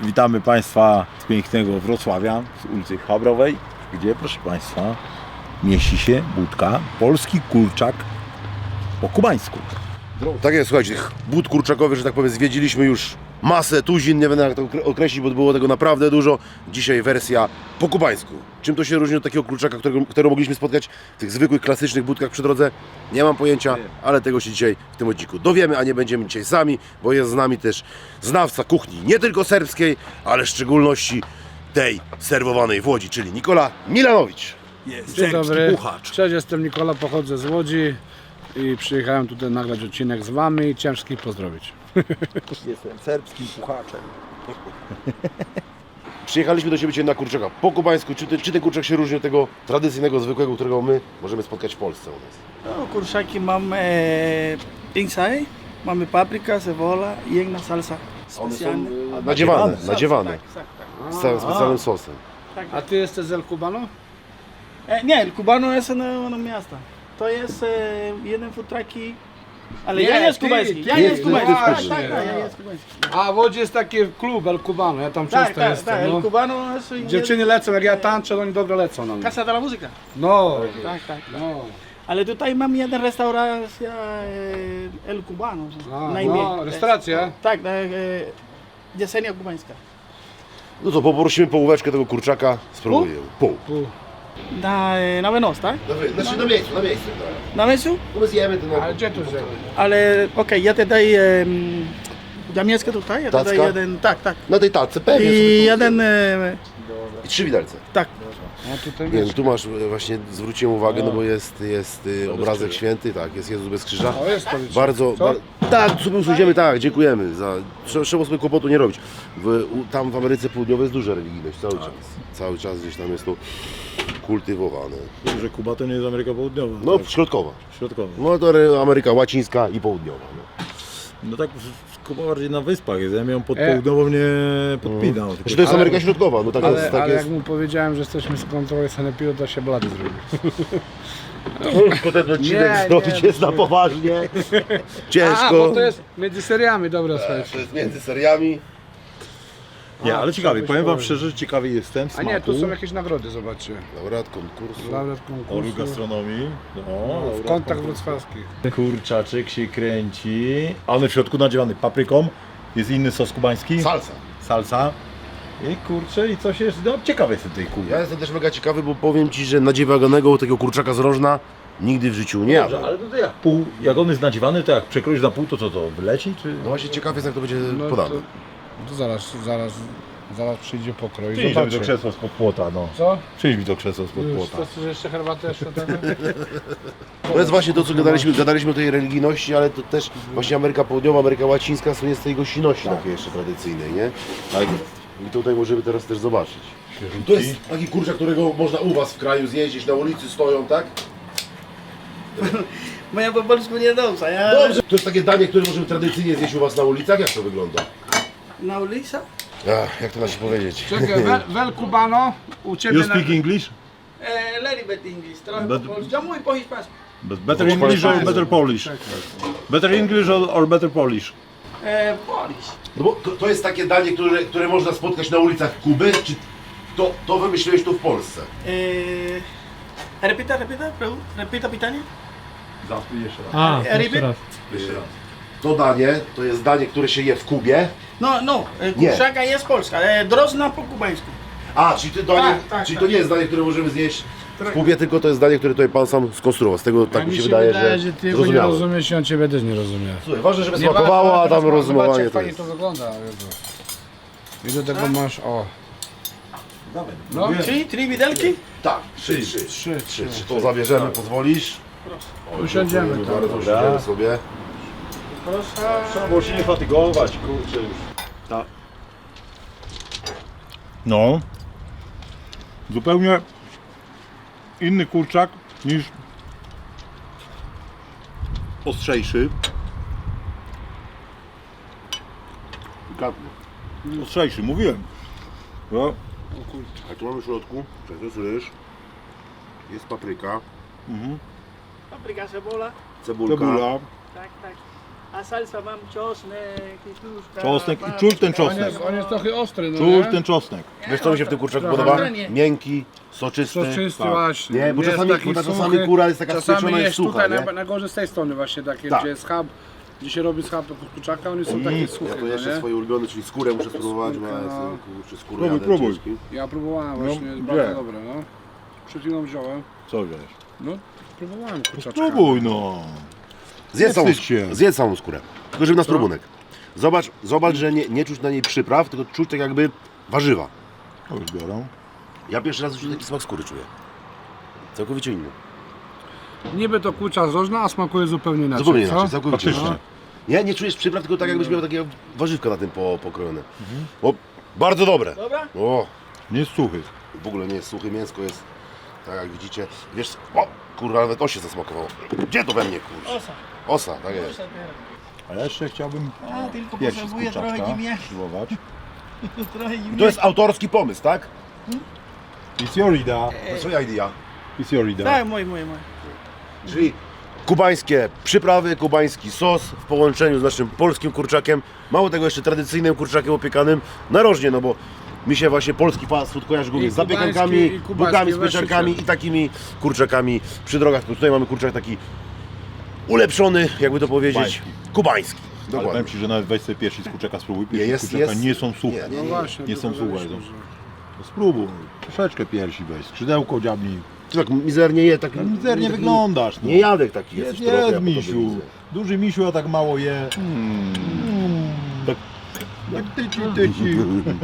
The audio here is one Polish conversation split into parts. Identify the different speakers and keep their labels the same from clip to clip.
Speaker 1: Witamy Państwa z pięknego Wrocławia, z ulicy Chabrowej, gdzie, proszę Państwa, mieści się budka Polski Kurczak po kubańsku.
Speaker 2: Tak jest, słuchajcie, tych bud kurczakowych, że tak powiem, zwiedziliśmy już masę, tuzin, nie będę jak to określić, bo było tego naprawdę dużo. Dzisiaj wersja po kubańsku. Czym to się różni od takiego kurczaka, którego mogliśmy spotkać w tych zwykłych, klasycznych budkach przy drodze? Nie mam pojęcia, ale tego się dzisiaj w tym odcinku dowiemy, a nie będziemy dzisiaj sami, bo jest z nami też znawca kuchni nie tylko serbskiej, ale w szczególności tej serwowanej w Łodzi, czyli Nikola Milanowicz.
Speaker 1: Jest
Speaker 3: Dzień dobry,
Speaker 1: puchacz.
Speaker 3: cześć, jestem Nikola, pochodzę z Łodzi i przyjechałem tutaj nagrać odcinek z Wami i chciałem wszystkich pozdrowić.
Speaker 1: Jestem serbskim puchaczem.
Speaker 2: Przyjechaliśmy do Ciebie dzisiaj na kurczaka po kubańsku. Czy ten kurczak się różni od tego tradycyjnego, zwykłego, którego my możemy spotkać w Polsce u nas?
Speaker 4: No, kurczaki mamy inside, mamy papryka, cebola i jedna salsa
Speaker 2: One są
Speaker 4: specjalna.
Speaker 2: nadziewane,
Speaker 4: Salsa,
Speaker 2: nadziewane
Speaker 4: Tak, tak, tak.
Speaker 2: z całym specjalnym sosem.
Speaker 3: A Ty jesteś z El Cubano?
Speaker 4: Nie, el cubano jest na miasta. To jest jeden food trucki, ale
Speaker 3: Nie,
Speaker 4: ja jest
Speaker 3: ty,
Speaker 4: kubański.
Speaker 3: ty,
Speaker 4: Ja jest
Speaker 2: ty,
Speaker 4: kubański. Tak,
Speaker 3: właśnie.
Speaker 4: tak, tak, ja jest kubański.
Speaker 3: A w Łodzi jest taki klub El Cubano, ja tam
Speaker 4: Tak,
Speaker 3: często
Speaker 4: tak,
Speaker 3: jestem.
Speaker 4: tak,
Speaker 3: No.
Speaker 4: el cubano jest...
Speaker 3: Dziewczyny lecą, jak ja tańczę, oni dobrze lecą na mnie.
Speaker 4: Casa de la Música.
Speaker 3: No,
Speaker 4: Tak, tak.
Speaker 3: no.
Speaker 4: Ale tutaj mam jeden restauracja el cubano.
Speaker 3: A,
Speaker 4: na imię.
Speaker 3: no, restauracja?
Speaker 4: Tak, Jedzenia kubańska.
Speaker 2: No to poprosimy połóweczkę tego kurczaka, spróbuję. Pół.
Speaker 4: Na wynos, tak?
Speaker 2: Znaczy na miejscu.
Speaker 4: Na miejscu?
Speaker 2: No my zjemy ten
Speaker 3: Ale gdzie to wziąłeś?
Speaker 4: Ale okej, ja te daję mieszkam tutaj, ja te
Speaker 2: Tacka?
Speaker 4: daję jeden, tak, tak.
Speaker 2: Na tej tacce, pewnie.
Speaker 4: I jeden,
Speaker 2: I 3 widelce.
Speaker 4: tak.
Speaker 3: A tutaj
Speaker 2: Nie, no tu masz właśnie, zwróciłem uwagę, no bo jest obrazek święty, tak, jest Jezus bez krzyża.
Speaker 3: O, jest to widzisz.
Speaker 2: Bardzo,
Speaker 3: Co?
Speaker 2: tak, sobie usłyszimy, tak, dziękujemy. Trzeba sobie kłopotu nie robić. Tam w Ameryce Południowej jest duża religijność, cały czas. Cały czas gdzieś tam jest to kultywowane.
Speaker 1: Że Kuba to nie jest Ameryka Południowa.
Speaker 2: No,
Speaker 1: tak,
Speaker 2: środkowa.
Speaker 1: środkowa.
Speaker 2: No to Ameryka Łacińska i Południowa. No.
Speaker 1: No tak, Kuba bardziej na wyspach jest, ja ją pod południową nie podpinał. tylko-
Speaker 2: Znaczy to jest Ameryka Środkowa, no tak
Speaker 3: Ale,
Speaker 2: jest. Tak
Speaker 3: ale
Speaker 2: jest.
Speaker 3: jak mu powiedziałem, że jesteśmy z kontroli sanepidu, to się blady zrobił.
Speaker 2: Tylko ten odcinek
Speaker 3: Nie,
Speaker 2: zrobić
Speaker 3: nie,
Speaker 2: jest na poważnie.
Speaker 3: A,
Speaker 2: Ciężko.
Speaker 3: bo to jest między seriami, dobra,
Speaker 2: To
Speaker 3: słuchajcie.
Speaker 2: jest między seriami.
Speaker 1: Nie, ale ciekawie,
Speaker 3: żebyś
Speaker 1: powiem Wam
Speaker 3: powiedział.
Speaker 1: szczerze, że ciekawy jestem
Speaker 3: A
Speaker 1: smaku.
Speaker 3: nie, tu są jakieś nagrody, zobaczcie.
Speaker 2: Laureat konkursu.
Speaker 3: Laureat
Speaker 1: Orł
Speaker 3: konkursu.
Speaker 1: gastronomii. No,
Speaker 3: W kątach wrocławskich.
Speaker 1: kurczaczek się kręci. A on w środku nadziewany papryką. Jest inny sos kubański.
Speaker 2: Salsa.
Speaker 1: Salsa. I kurczę, i coś jest. No, ciekawy jestem tej kuli.
Speaker 2: Ja jestem też mega ciekawy, bo powiem Ci, że nadziewanego takiego kurczaka z rożna nigdy w życiu nie
Speaker 1: Dobrze,
Speaker 2: jadłem.
Speaker 1: ale to jak on jest nadziewany, to jak przekroisz na pół, to co to wyleci? Czy...
Speaker 2: No właśnie ciekaw jest, jak to będzie
Speaker 3: No
Speaker 2: podane.
Speaker 3: to zaraz przyjdzie pokroj i
Speaker 1: Przyjdź mi to
Speaker 3: zobaczy.
Speaker 1: krzesło spod płota, no.
Speaker 3: Co?
Speaker 1: Przyjdź mi to krzesło spod
Speaker 3: Już,
Speaker 1: płota.
Speaker 3: chcesz jeszcze herbatę jeszcze tego?
Speaker 2: To jest właśnie to, co gadaliśmy o tej religijności, ale to też właśnie Ameryka Południowa, Ameryka Łacińska są z tej gościności takiej jeszcze tradycyjnej, nie?
Speaker 1: Tak.
Speaker 2: I tutaj możemy teraz też zobaczyć. To jest taki kurczak, którego można u Was w kraju zjeść, na ulicy stoją, tak?
Speaker 4: Moja po polsku nie dobrze, ja
Speaker 2: Dobrze. To jest takie danie, które możemy tradycyjnie zjeść u Was na ulicach. Jak to wygląda?
Speaker 4: na ulicy.
Speaker 2: Jak to da się powiedzieć?
Speaker 3: Czekaj, Wel Cubano, u Ciebie
Speaker 1: You speak English?
Speaker 4: Little bit English, trochę
Speaker 1: But-
Speaker 4: po polsku. Ja mówię po hiszpańsku.
Speaker 1: But better English or better Polish? Better English or better Polish?
Speaker 4: Polish.
Speaker 2: No bo to jest takie danie, które można spotkać na ulicach Kuby, czy to wymyśliłeś tu w Polsce?
Speaker 4: Repita pytanie.
Speaker 1: Zapyj jeszcze raz.
Speaker 3: A,
Speaker 4: Repeat?
Speaker 2: Jeszcze raz. To danie, to jest danie, które się je w Kubie.
Speaker 4: No,
Speaker 2: Nie.
Speaker 4: kurczaka jest polska, drożna po kubańsku.
Speaker 2: Czyli to nie jest danie, które możemy zjeść w Kubie, tylko to jest danie, które tutaj Pan sam skonstruował. Z tego tak mi się wydaje, że
Speaker 3: Ty go nie
Speaker 2: zrozumiałem.
Speaker 3: rozumiesz i on Ciebie też nie rozumie.
Speaker 2: Słuchaj, ważne, żeby
Speaker 3: Nie,
Speaker 2: smakowało, a tam
Speaker 3: zobacz,
Speaker 2: rozumowanie
Speaker 3: jak
Speaker 2: to
Speaker 3: fajnie
Speaker 2: jest.
Speaker 3: to wygląda, Jezu. I do tego masz, o.
Speaker 1: Dawaj,
Speaker 3: No.
Speaker 4: Trzy widelki?
Speaker 2: Tak, trzy. To zabierzemy, pozwolisz?
Speaker 3: Usiądziemy
Speaker 2: Dziękujemy
Speaker 3: tam.
Speaker 2: bardzo, usiądziemy sobie.
Speaker 4: Proszę.
Speaker 1: Trzeba było się nie fatygować, kurczę już. Tak. No. Zupełnie inny kurczak niż ostrzejszy. Ostrzejszy, mówiłem. No.
Speaker 2: A tu mamy w środku, to jest ryż, jest papryka,
Speaker 4: Papryka, cebola.
Speaker 2: cebulka.
Speaker 1: Cebula.
Speaker 4: Tak, tak. A salsa mam czosnek, pietruszka.
Speaker 1: Czosnek i
Speaker 4: papryka.
Speaker 1: czuć ten czosnek.
Speaker 3: On jest trochę ostry, no
Speaker 1: Czuć
Speaker 3: nie?
Speaker 1: ten czosnek.
Speaker 2: Wiesz co mi się w tym kurczaku
Speaker 3: Trochę
Speaker 2: podoba?
Speaker 4: nie.
Speaker 2: Miękki, soczysty.
Speaker 3: Soczysty
Speaker 1: Tak.
Speaker 3: właśnie.
Speaker 2: Nie, bo
Speaker 3: jest
Speaker 2: czasami-
Speaker 3: taki
Speaker 2: bo czasami
Speaker 3: suchy.
Speaker 2: kura jest taka
Speaker 3: Czasami
Speaker 2: spieczona i
Speaker 3: jest
Speaker 2: sucha,
Speaker 3: tutaj
Speaker 2: nie?
Speaker 3: najgorzej z tej strony właśnie takie,
Speaker 2: Tak.
Speaker 3: gdzie jest schab, gdzie się robi schab do kurczaka, one są takie suche,
Speaker 2: Ja to
Speaker 3: no
Speaker 2: jeszcze
Speaker 3: nie?
Speaker 2: swoje ulubione, czyli skórę muszę spróbować, bo ja
Speaker 3: Skórka,
Speaker 2: jestem
Speaker 3: no.
Speaker 2: kurczę skóry
Speaker 1: Próbuj,
Speaker 2: jadę
Speaker 1: próbuj.
Speaker 2: ciężki.
Speaker 3: Ja próbowałem właśnie, jest
Speaker 1: gdzie?
Speaker 3: bardzo dobre, no. Przed chwilą wziąłem,
Speaker 1: Co wiesz?
Speaker 3: no próbowałem kurczaczka.
Speaker 1: Spróbuj no.
Speaker 2: Zjedz całą,
Speaker 1: wstydź się.
Speaker 2: zjedz całą skórę, tylko żeby na spróbunek. Zobacz, że nie czuć na niej przypraw, tylko czuć tak jakby warzywa.
Speaker 1: To już biorą.
Speaker 2: Ja pierwszy raz już taki smak skóry czuję. Całkowicie inny.
Speaker 3: Niby to kurcza zrożna, a smakuje zupełnie inaczej,
Speaker 2: Zupełnie
Speaker 3: co?
Speaker 2: inaczej, całkowicie
Speaker 1: Faktycznie.
Speaker 2: inaczej. Nie czujesz przypraw, tylko tak jakbyś miał takie warzywka na tym pokrojone. O, bardzo dobre.
Speaker 4: Dobra?
Speaker 2: O,
Speaker 1: Nie jest suchy.
Speaker 2: w ogóle nie jest suche mięsko, jest tak jak widzicie. Wiesz, o kurwa, nawet to się zasmakowało. Gdzie to we mnie kurczę?
Speaker 4: Osa.
Speaker 2: Osa, tak jest.
Speaker 4: Osa teraz.
Speaker 1: A ja jeszcze chciałbym
Speaker 4: A, tylko
Speaker 1: piersi z
Speaker 4: potrzebuję trochę
Speaker 1: kurczaczka
Speaker 4: ziemniaki.
Speaker 1: spróbować.
Speaker 4: Trochę ziemniaki.
Speaker 2: To jest autorski pomysł, tak?
Speaker 1: It's your idea.
Speaker 2: To swoja idea.
Speaker 1: It's your idea.
Speaker 4: Tak, mój.
Speaker 2: Czyli kubańskie przyprawy, kubański sos w połączeniu z naszym polskim kurczakiem. Mało tego, jeszcze tradycyjnym kurczakiem opiekanym narożnie, no bo mi się właśnie polski fast food kojarzy głównie
Speaker 3: I
Speaker 2: z
Speaker 3: kubański,
Speaker 2: zapiekankami,
Speaker 3: i kubański,
Speaker 2: bułkami z
Speaker 3: właśnie
Speaker 2: pieczarkami
Speaker 3: się-
Speaker 2: i takimi kurczakami przy drogach. Tutaj mamy kurczak taki ulepszony, jakby to powiedzieć, kubański.
Speaker 1: Ale
Speaker 2: Dokładnie.
Speaker 1: powiem Ci, że nawet weź sobie piersi z kurczaka spróbuj. Piersi
Speaker 2: jest-
Speaker 1: z kurczaka
Speaker 2: jest-
Speaker 1: nie są suche.
Speaker 2: nie,
Speaker 3: No właśnie,
Speaker 1: Nie są suche.
Speaker 3: próbowaliśmy,
Speaker 1: są.
Speaker 3: że-
Speaker 1: No spróbuj. Troszeczkę piersi weź. Skrzydełko dziabnij.
Speaker 2: Ty tak mizernie je, tak
Speaker 1: No mizernie
Speaker 2: taki
Speaker 1: wyglądasz. No.
Speaker 2: Nie jadek taki
Speaker 1: Jest,
Speaker 2: jest.
Speaker 1: jest misiu. Duży misiu, a tak mało je. Tak. Jak tyci.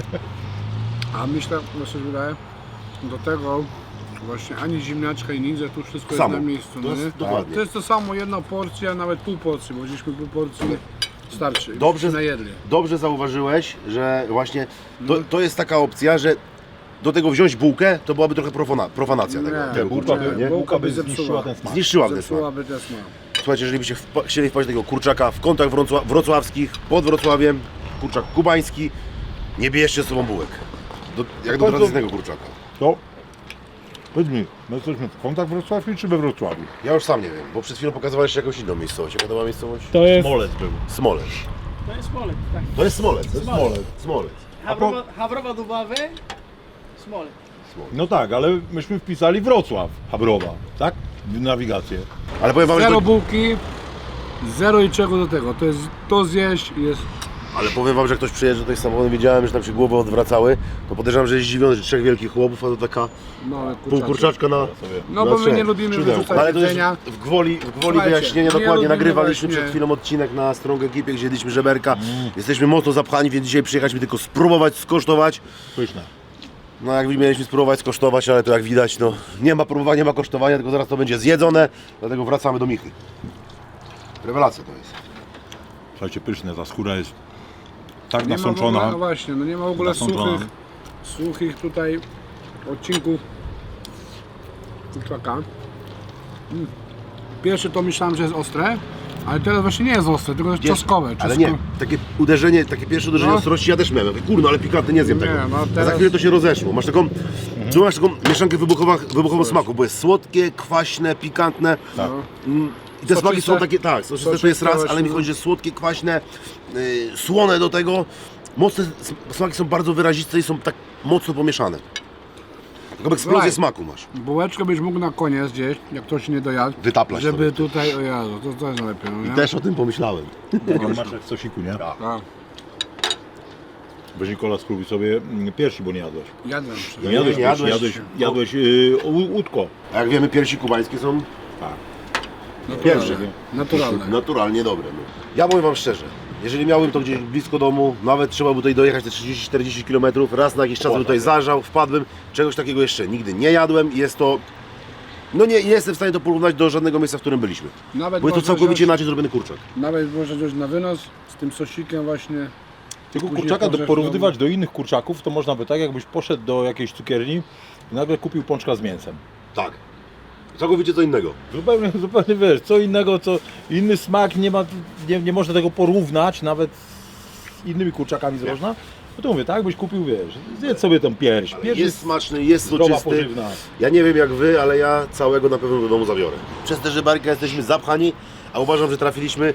Speaker 3: A myślę, że się wydaje, do tego właśnie ani ziemniaczka i nic, że tu wszystko
Speaker 2: Samo.
Speaker 3: jest na miejscu,
Speaker 2: To
Speaker 3: no
Speaker 2: jest
Speaker 3: nie?
Speaker 2: dokładnie.
Speaker 3: To jest to samo, jedna porcja, nawet pół porcji, bo gdzieśmy pół porcji starczy.
Speaker 2: Dobrze.
Speaker 3: Się najedli.
Speaker 2: Dobrze zauważyłeś, że właśnie to jest taka opcja, że do tego wziąć bułkę, to byłaby trochę profanacja tego.
Speaker 3: Nie,
Speaker 2: tego
Speaker 1: Bułka
Speaker 2: kurczaka,
Speaker 1: by,
Speaker 2: nie?
Speaker 1: bułka by
Speaker 3: zepsuła.
Speaker 1: zniszczyła ten smak.
Speaker 2: Zniszczyłaby ten smak.
Speaker 3: Zepsułaby ten smak.
Speaker 2: Słuchajcie, jeżeli byście chcieli wpaść do tego kurczaka w kątach wrocławskich, pod Wrocławiem, kurczak kubański, nie bierzcie z sobą bułek. Jak do
Speaker 1: Bardzo-
Speaker 2: tradycyjnego kurczaka.
Speaker 1: To, powiedz mi, my jesteśmy w kątach wrocławskich czy we Wrocławiu?
Speaker 2: Ja już sam nie wiem, bo przed chwilą pokazywałeś jakąś inną miejscowość. Jaka to była miejscowość?
Speaker 3: To jest
Speaker 1: Smolec był.
Speaker 2: Smolec.
Speaker 4: To jest Smolek, tak.
Speaker 2: To jest Smolec. To jest
Speaker 4: Smolec.
Speaker 2: Smolec.
Speaker 4: Habrowa Dubawy, Smolek.
Speaker 1: No tak, ale myśmy wpisali Wrocław, Habrowa, tak? W nawigację.
Speaker 2: Ale powiem wam, że
Speaker 3: zero
Speaker 2: to,
Speaker 3: bułki, zero i czego do tego. To jest to zjeść i jest.
Speaker 2: ale powiem wam, że ktoś przyjeżdża tutaj samochodem, widziałem, że tam się głowy odwracały, to podejrzewam, że jest zdziwiony, że 3 wielkich chłopów, a to taka
Speaker 3: Małe
Speaker 2: pół kurczaczka na...
Speaker 3: No bo
Speaker 2: na
Speaker 3: my
Speaker 2: trzech.
Speaker 3: nie lubimy
Speaker 1: Skrzydełko.
Speaker 3: wyrzucać
Speaker 2: Ale to już
Speaker 3: jedzenia.
Speaker 2: w gwoli
Speaker 3: Słuchajcie,
Speaker 2: wyjaśnienia
Speaker 3: nie
Speaker 2: dokładnie.
Speaker 3: lubimy
Speaker 2: Nagrywaliśmy
Speaker 3: właśnie-
Speaker 2: przed chwilą odcinek na Strong Ekipie, gdzie jedliśmy żeberka. Jesteśmy mocno zapchani, więc dzisiaj przyjechaliśmy tylko spróbować, skosztować.
Speaker 1: Pyszne.
Speaker 2: No jak mieliśmy spróbować, skosztować, ale to jak widać, no nie ma próbowania, nie ma kosztowania, tylko zaraz to będzie zjedzone. Dlatego wracamy do Michy. Rewelacja to jest.
Speaker 1: Słuchajcie, pyszne, ta skóra jest tak
Speaker 3: Nie ma w ogóle,
Speaker 1: nasączona.
Speaker 3: no właśnie, no nie ma w ogóle
Speaker 1: Nasączona.
Speaker 3: suchych tutaj odcinków kurczaka. Pierwszy to myślałem, że jest ostre, ale teraz właśnie nie jest ostre, tylko jest czosnkowe.
Speaker 2: Ale nie, takie uderzenie, takie pierwsze uderzenie
Speaker 3: No.
Speaker 2: ostrości ja też miałem. Ja mówię, kurno, ale pikantny nie zjem
Speaker 3: Nie,
Speaker 2: tego.
Speaker 3: no
Speaker 2: A za
Speaker 3: teraz-
Speaker 2: chwilę to się rozeszło. Masz taką, tu masz taką mieszankę wybuchową smaku, bo jest słodkie, kwaśne, pikantne.
Speaker 1: Tak.
Speaker 2: I te smaki są
Speaker 3: Soczyste.
Speaker 2: takie, tak, soczyste to jest raz,
Speaker 3: Soczyste
Speaker 2: ale mi
Speaker 3: właśnie,
Speaker 2: chodzi, że słodkie, kwaśne, słone do tego. Mocne smaki są bardzo wyraziste i są tak mocno pomieszane. Taką eksplozję
Speaker 3: Słuchaj.
Speaker 2: smaku masz.
Speaker 3: Bułeczkę byś mógł na koniec gdzieś, jak ktoś nie dojadł,
Speaker 2: Wytaplać
Speaker 3: żeby
Speaker 2: sobie.
Speaker 3: tutaj, o Jezu, to jest najlepiej, no nie?
Speaker 2: Też o tym pomyślałem.
Speaker 1: Masz jak w sosiku, nie?
Speaker 3: Tak,
Speaker 1: Weź Nikola, spróbuj sobie piersi, bo nie jadłeś.
Speaker 3: jadłem.
Speaker 1: Nie jadłeś
Speaker 2: nie
Speaker 1: piersi,
Speaker 2: jadłeś.
Speaker 1: jadłeś łódko.
Speaker 2: A jak wiemy, piersi kubańskie są
Speaker 1: Tak.
Speaker 2: pierwsze.
Speaker 3: Naturalne.
Speaker 2: Naturalnie dobre. No. Ja powiem wam szczerze, jeżeli miałbym to gdzieś blisko domu, nawet trzeba by tutaj dojechać te 30-40 km, raz na jakiś czas bym tutaj zażał, wpadłbym, czegoś takiego jeszcze nigdy nie jadłem i jest to... No nie jestem w stanie to porównać do żadnego miejsca, w którym byliśmy.
Speaker 3: Nawet
Speaker 2: Bo jest to
Speaker 3: można
Speaker 2: całkowicie
Speaker 3: wziąć,
Speaker 2: inaczej zrobiony kurczak.
Speaker 3: nawet można wziąć na wynos z tym sosikiem właśnie.
Speaker 1: Tego
Speaker 3: Później
Speaker 1: kurczaka
Speaker 3: porzesz
Speaker 1: porównywać do innych kurczaków, to można by tak, jakbyś poszedł do jakiejś cukierni i nagle kupił pączka z mięsem.
Speaker 2: Tak. Całkowicie co innego.
Speaker 1: Zupełnie wiesz, co innego, co inny smak, nie można tego porównać nawet z innymi kurczakami z rożna. No to mówię, tak byś kupił, wiesz, zjedz sobie tą pierś. Pierś
Speaker 2: Jest smaczny, jest
Speaker 1: zdrowa,
Speaker 2: soczysty.
Speaker 1: pożywna.
Speaker 2: Ja nie wiem jak wy, ale ja całego na pewno do domu zabiorę. Przez te żeberka jesteśmy zapchani, a uważam, że trafiliśmy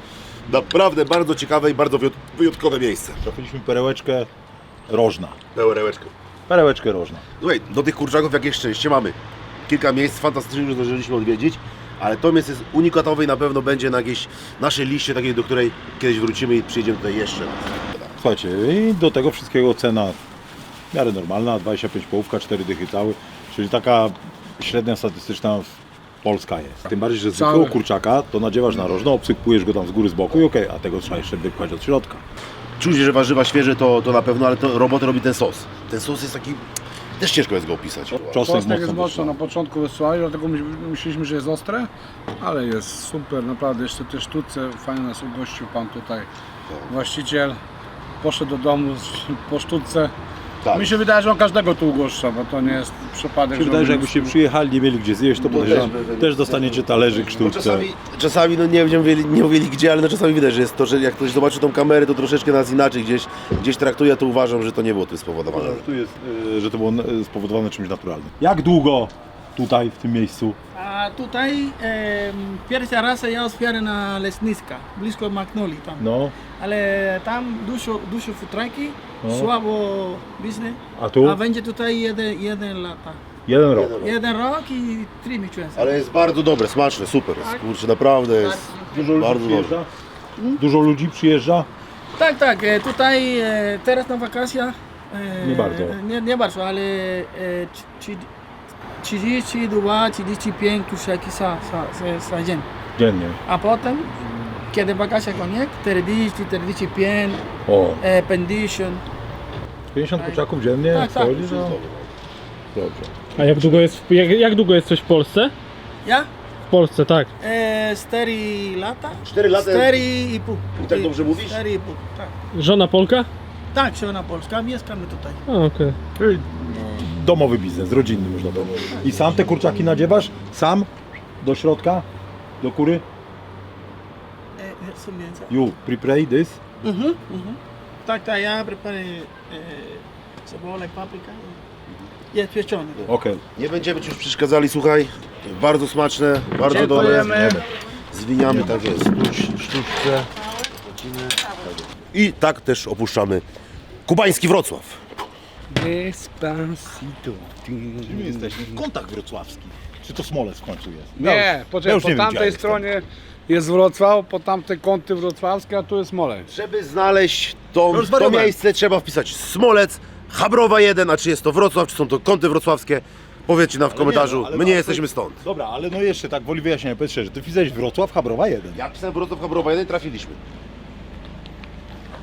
Speaker 2: Naprawdę bardzo ciekawe i bardzo wyjątkowe miejsce.
Speaker 1: Trafiliśmy perełeczkę Rożna.
Speaker 2: Pełerełeczkę.
Speaker 1: Rożna.
Speaker 2: Słuchaj, do tych kurczaków jakieś szczęście mamy. Kilka miejsc fantastycznych, które zdążyliśmy odwiedzić, ale to miejsce jest unikatowe i na pewno będzie na jakiejś naszej liście takiej, do której kiedyś wrócimy i przyjedziemy tutaj jeszcze raz.
Speaker 1: Słuchajcie, i do tego wszystkiego cena w miarę normalna, 25 połówka, 4 dychy cały, czyli taka średnia statystyczna Polska jest. Tym bardziej, że zwykłego
Speaker 3: Cały.
Speaker 1: kurczaka to nadziewasz na rożno, obsypujesz go tam z góry, z boku i okej, a tego trzeba jeszcze wypchać od środka.
Speaker 2: Czuć, że warzywa świeże to na pewno, ale to robotę robi ten sos. Ten sos jest taki, też ciężko jest go opisać.
Speaker 1: Czosnek
Speaker 3: Czosnek jest
Speaker 1: mocno
Speaker 3: mocno
Speaker 1: wyszła.
Speaker 3: na początku wysłali, dlatego myśleliśmy, że jest ostre, ale jest super, naprawdę. Jeszcze te sztuce, fajnie nas ugościł pan tutaj, właściciel. Poszedł do domu po sztuce.
Speaker 2: Tak.
Speaker 3: Mi się wydaje, że on każdego tu ugoszcza, bo to nie jest przypadek.
Speaker 1: Mi się wydaje, że
Speaker 3: on
Speaker 1: jakbyście
Speaker 3: jest-
Speaker 1: przyjechali, nie mieli gdzie zjeść, to podejrzewam, też dostaniecie talerzyk,
Speaker 2: Bo
Speaker 1: sztuczce.
Speaker 2: czasami no nie będziemy nie mówili gdzie, ale no czasami widać, że jest to, że jak ktoś zobaczy tą kamerę, to troszeczkę nas inaczej gdzieś traktuje, to uważam, że to nie było tym spowodowane.
Speaker 1: Tu jest, że to było spowodowane czymś naturalnym. Jak długo tutaj, w tym miejscu?
Speaker 4: A tutaj pierwsza raz ja otwieram na Lesniska, blisko Magnoli tam.
Speaker 1: No,
Speaker 4: Ale tam dużo futraki, słabo biznes.
Speaker 1: a tu?
Speaker 4: A będzie tutaj jeden lata.
Speaker 1: 1 rok.
Speaker 4: 1 rok i 3 miesiące.
Speaker 2: Ale jest bardzo dobre, smaczne, super.
Speaker 4: Tak.
Speaker 2: Kurczę, naprawdę jest
Speaker 1: Dużo ludzi
Speaker 2: bardzo dobre.
Speaker 1: przyjeżdża? Dużo ludzi przyjeżdża?
Speaker 4: Tak, tak. Tutaj teraz na wakacjach.
Speaker 1: Nie bardzo.
Speaker 4: Nie bardzo, ale 32-35 tuszeki za dzień.
Speaker 1: Dziennie.
Speaker 4: A potem, kiedy wakacje koniec, 40-45,
Speaker 1: O,
Speaker 4: 50.
Speaker 1: 50 kurczaków dziennie?
Speaker 4: Tak, tak.
Speaker 1: wchodzi, no. Dobrze.
Speaker 5: A jak długo jesteś w Polsce?
Speaker 4: Ja?
Speaker 5: W Polsce, tak.
Speaker 4: 4 lata.
Speaker 2: 4 lata?
Speaker 4: 4,5.
Speaker 2: I tak dobrze mówisz?
Speaker 4: 4,5, tak.
Speaker 5: Żona Polka?
Speaker 4: Tak, żona polska, mieszkamy tutaj.
Speaker 5: A, okej.
Speaker 1: Czyli domowy biznes, rodzinny można powiedzieć. I sam te kurczaki nadziewasz? Sam? Do środka? Do kury?
Speaker 4: Są mięsa.
Speaker 1: You prepare this?
Speaker 4: Tak, tak, ja preparuję cebulę, paprykę. Jest pieczony.
Speaker 1: Okej.
Speaker 2: Nie będziemy Ci już przeszkadzali, słuchaj. Bardzo smaczne, bardzo dobre.
Speaker 3: Dziękujemy.
Speaker 2: Zwiniamy, tak jest, sztuczce. I tak też opuszczamy kubański Wrocław.
Speaker 3: Despacito.
Speaker 1: Gdzie my jesteśmy? Kontakt wrocławski. Czy to Smolec w końcu jest?
Speaker 3: Nie,
Speaker 1: Ja
Speaker 3: poczekaj,
Speaker 1: już
Speaker 3: po
Speaker 1: nie wiem, gdzie ja
Speaker 3: tamtej
Speaker 1: jestem.
Speaker 3: stronie jest Wrocław, po tamtej kąty wrocławskie, a tu jest Smolec.
Speaker 2: Żeby znaleźć to
Speaker 1: Rozwariowałem.
Speaker 2: miejsce, trzeba wpisać Smolec, Chabrowa 1, a czy jest to Wrocław, czy są to kąty wrocławskie. Powiedzcie nam w komentarzu,
Speaker 1: ale
Speaker 2: my nie
Speaker 1: to-
Speaker 2: jesteśmy stąd.
Speaker 1: Dobra, ale no jeszcze tak woli wyjaśnienia, powiedz szczerze, ty wpisałeś Wrocław, Chabrowa 1.
Speaker 2: Ja pisałem Wrocław, Chabrowa 1 i trafiliśmy.